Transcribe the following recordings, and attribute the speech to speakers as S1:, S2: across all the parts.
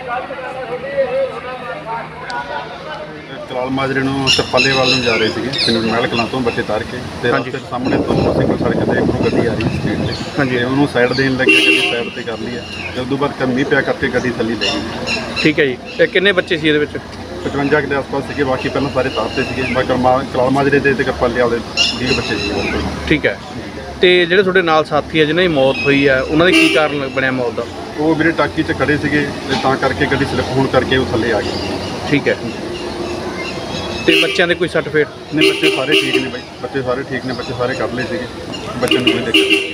S1: ਕਲਾਲ ਮਾਜਰੇ ਨੂੰ ਚੱਪਾਲੇਵਾਲ ਨੂੰ ਜਾ ਰਹੇ ਸੀਗੇ ਪਿੰਡ ਮਹਿਲ ਕਲਾਂ ਤੋਂ ਬੱਚੇ ਤਾਰ ਕੇ ਤੇ
S2: ਹਾਂਜੀ।
S1: ਰਸਤੇ ਸਾਹਮਣੇ ਤੋਂ ਸਿੰਗਲ ਸੜਕ ਤੇ ਇੱਕ ਗੱਡੀ ਆ ਰਹੀ ਸੀ ਸਪੀਡ ਤੇ
S2: ਹਾਂਜੀ।
S1: ਤੇ ਉਹਨੂੰ ਸਾਈਡ ਦੇਣ ਲੱਗੇ, ਗੱਡੀ ਸਾਈਡ ਤੇ ਕਰ ਲਈ ਹੈ। ਜਦ ਤੋਂ ਬਾਅਦ ਮੀਂਹ ਪਿਆ ਕਰਕੇ ਗੱਡੀ ਥੱਲੇ ਲੈ ਗਈ।
S2: ਠੀਕ ਹੈ ਜੀ। ਤੇ ਕਿੰਨੇ ਬੱਚੇ ਸੀ ਇਹਦੇ ਵਿੱਚ?
S1: 55 ਕੁ ਦੇ ਆਸ-ਪਾਸ ਸੀਗੇ, ਬਾਕੀ ਪਹਿਲਾਂ ਸਾਰੇ ਤਾਰ ਤੇ ਸੀਗੇ। ਬਾਕੀ ਕਲਾਲ ਮਾਜਰੇ ਦੇ ਤੇ ਚੱਪਾਲੇਵਾਲ ਦੇ 20 ਬੱਚੇ ਸੀਗੇ।
S2: ਠੀਕ ਹੈ। ਤੇ ਜਿਹੜੇ ਤੁਹਾਡੇ ਨਾਲ ਸਾਥੀ ਹੈ ਜਿਨ੍ਹਾਂ ਦੀ ਮੌਤ ਹੋਈ ਹੈ ਉਹਨਾਂ ਦੇ ਕੀ ਕਾਰਨ ਬਣਿਆ ਮੌਤ ਦਾ?
S1: ਉਹ ਵੀਰੇ ਟਾਕੀ 'ਚ ਖੜੇ ਸੀਗੇ ਤੇ ਤਾਂ ਕਰਕੇ ਗੱਡੀ ਸਲਿੱਪ ਹੋਣ ਕਰਕੇ ਉਹ ਥੱਲੇ ਆ ਗਈ।
S2: ਠੀਕ ਹੈ। ਤੇ ਬੱਚਿਆਂ ਦੇ ਕੋਈ ਸਰਟੀਫਿਕੇਟ?
S1: ਨਹੀਂ, ਬੱਚੇ ਸਾਰੇ ਠੀਕ ਨੇ ਬਾਈ, ਬੱਚੇ ਸਾਰੇ ਠੀਕ ਨੇ, ਬੱਚੇ ਸਾਰੇ ਕਰ ਲਏ ਸੀਗੇ, ਬੱਚਿਆਂ ਨੂੰ ਕੋਈ ਦਿੱਕਤ ਨਹੀਂ।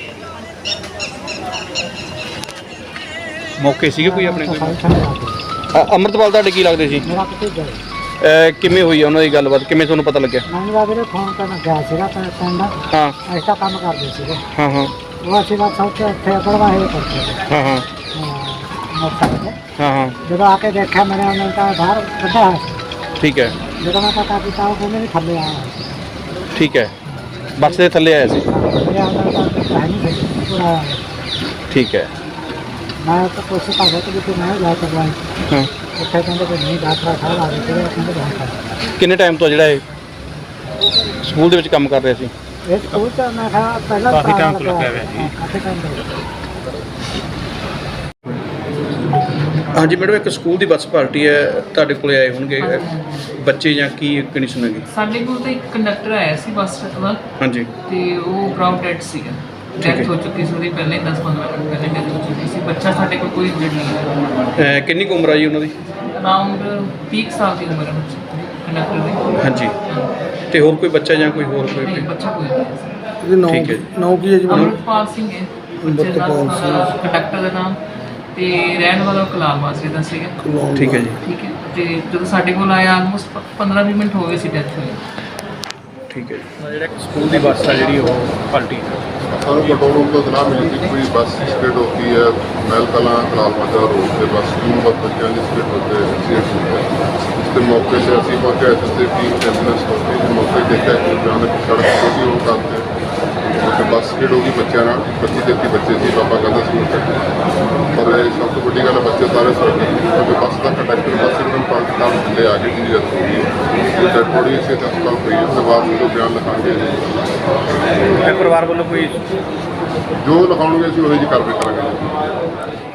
S2: ਮੌਕੇ ਸੀਗੇ ਕੋਈ ਆਪਣੇ ਕੋਈ? ਅੰਮ੍ਰਿਤਪਾਲ ਤੁਹਾਡੇ ਕੀ ਲੱਗਦੇ ਸੀ?
S3: ਮੇਰਾ ਭਤੀਜਾ
S2: ਕਿਵੇਂ ਹੋਈ ਆ ਉਹਨਾਂ ਦੀ ਗੱਲਬਾਤ, ਕਿਵੇਂ ਤੁਹਾਨੂੰ ਪਤਾ ਲੱਗਿਆ?
S3: ਮੈਨੂੰ ਤਾਂ ਵੀਰੇ ਫੋਨ ਕਰਨ ਗਿਆ ਸੀਗਾ ਪਿੰਡ,
S2: ਹਾਂ
S3: ਐਸਾ ਕੰਮ ਕਰਦੇ ਸੀਗੇ।
S2: ਹਾਂ ਹਾਂ
S3: ਉਹ ਅਸੀਂ ਬਸ ਉੱਥੇ ਇੱਥੇ ਪੜਵਾਏ ਕਰਦੇ ਸੀ
S2: ਹਾਂ ਹਾਂ
S3: ਮੋਟਰਸਾਈਕਲ ਤੇ।
S2: ਹਾਂ ਹਾਂ।
S3: ਜਦੋਂ ਆ ਕੇ ਦੇਖਿਆ ਮੇਰੇ ਉਹਨਾਂ ਨੇ ਤਾਂ ਬਾਹਰ ਕੱਢਿਆ ਹੋਇਆ ਸੀ।
S2: ਠੀਕ ਹੈ।
S3: ਜਦੋਂ ਮੈਂ ਪਤਾ ਕੀਤਾ ਉਹ ਕਹਿੰਦੇ ਵੀ ਥੱਲੇ ਆਇਆ ਹੋਇਆ ਸੀ।
S2: ਠੀਕ ਹੈ। ਬੱਸ ਦੇ ਥੱਲੇ ਆਇਆ ਸੀ?
S3: ਮੇਰੇ ਉਹਨਾਂ ਦਾ ਹੈ ਨਹੀਂ ਸੀ ਪੂਰਾ ਆਇਆ ਹੋਇਆ।
S2: ਠੀਕ ਹੈ।
S3: ਮੈਂ ਤਾਂ ਕੋਸ਼ਿਸ਼ ਕਰ ਰਿਹਾ ਕਿ ਵੀ ਮੈਂ ਜਾ ਕਰਵਾਈ।
S2: ਹਾਂ।
S3: ਉੱਥੇ ਕਹਿੰਦੇ ਕਿ ਨਹੀਂ ਡਾਕਟਰ ਸਾਹਿਬ ਆ ਗਏ ਸੀਗੇ, ਕਹਿੰਦੇ ਬਹੁਤ ਕਰ
S2: ਕਿੰਨੇ ਟਾਈਮ ਤੋਂ ਜਿਹੜਾ ਇਹ ਸਕੂਲ ਦੇ ਵਿੱਚ ਕੰਮ ਕਰ ਰਿਹਾ ਸੀ?
S3: ਇਹ ਸਕੂਲ ਤਾਂ ਮੈਂ ਕਿਹਾ ਪਹਿਲਾਂ ਕਾਫੀ ਟਾਈਮ ਤੋਂ ਲੱਗਿਆ ਹੋਇਆ ਜੀ। ਕਾਫੀ ਟਾਈਮ ਤੋਂ।
S2: ਹਾਂਜੀ ਮੈਡਮ, ਇੱਕ ਸਕੂਲ ਦੀ ਬੱਸ ਪਾਰਟੀ ਹੈ, ਤੁਹਾਡੇ ਕੋਲੇ ਆਏ ਹੋਣਗੇ ਬੱਚੇ ਜਾਂ ਕੀ ਕੰਡੀਸ਼ਨ ਹੈਗੀ?
S4: ਸਾਡੇ ਕੋਲ ਤਾਂ ਇੱਕ ਕੰਡਕਟਰ ਆਇਆ ਸੀ ਬੱਸ ਦਾ।
S2: ਹਾਂਜੀ।
S4: ਤੇ ਉਹ ਬਰਾਊਨ ਡੈਡ ਸੀਗਾ, ਡੈਥ ਹੋ ਚੁੱਕੀ ਸੀ ਉਹਦੀ ਪਹਿਲੇ 10-15 ਮਿੰਟ ਪਹਿਲੇ ਡੈਥ ਹੋ ਚੁੱਕੀ ਸੀ। ਬੱਚਾ ਸਾਡੇ ਕੋਲ ਕੋਈ ਇੰਜਰਡ ਨਹੀਂ ਹੈ।
S2: ਕਿੰਨੀ ਕੁ ਉਮਰ ਆ ਜੀ ਉਹਨਾਂ ਦੀ?
S4: ਅਰਾਊਂਡ 30 ਸਾਲ ਦੀ ਉਮਰ ਹੈ ਬੱਚੇ ਕੰਡਕਟਰ ਦੀ।
S2: ਹਾਂਜੀ। ਤੇ ਹੋਰ ਕੋਈ ਬੱਚਾ ਜਾਂ ਕੋਈ ਹੋਰ ਕੋਈ?
S4: ਨਹੀਂ, ਬੱਚਾ ਕੋਈ ਨਹੀਂ।
S2: ਠੀਕ ਹੈ ਜੀ।
S3: ਨਾਮ ਕੀ ਹੈ ਜੀ?
S4: ਅੰਮ੍ਰਿਤਪਾਲ ਸਿੰਘ ਹੈ ਬੱਚੇ ਦਾ ਕੰਡਕਟਰ ਦਾ ਨਾਮ, ਤੇ ਰਹਿਣ ਵਾਲਾ ਕਲਾਲ ਮਾਜਰੇ ਦਾ ਸੀਗਾ।
S2: ਠੀਕ ਹੈ ਜੀ।
S4: ਠੀਕ ਹੈ। ਤੇ ਜਦੋਂ ਸਾਡੇ ਕੋਲ ਆਇਆ ਆਲਮੋਸਟ 15-20 ਮਿੰਟ ਹੋ ਗਏ ਸੀ ਡੈਥ ਹੋਈ।
S2: ਠੀਕ ਹੈ ਜੀ। ਜਿਹੜਾ ਸਕੂਲ ਦੀ ਬੱਸ ਆ ਜਿਹੜੀ ਉਹ ਪਲਟੀ
S5: ਸਾਨੂੰ कंट्रोल रूम को इतना मिली थी कोई बस स्किड होती है महल कलां कलाल माजरा रोड से बस स्कूल बस बच्चों की स्किड होते एक्सीडेंट होते हैं। इसके मौके से अभी पहुँचे एस टीम एम्बुलेंस होती है मौके देखा कि अचानक सड़क छोटी हो करते तो बस स्किड होगी बच्चों 25-33 बच्चे से पापा कहते स्कूल पर सब तो बड़ी गल बच्चे सारे सड़क क्योंकि बस का कंडक्टर बस एकदम पलट कर थले आ गई जी डेथ हो गई। डेथ बॉडी इसे अस्पताल पई उसके बाद जो बयान लिखाएंगे
S2: ਪਰਿਵਾਰ ਵੱਲੋਂ ਕੋਈ?
S5: जो लिखाओगे अभी वही कार्रवाई करेंगे।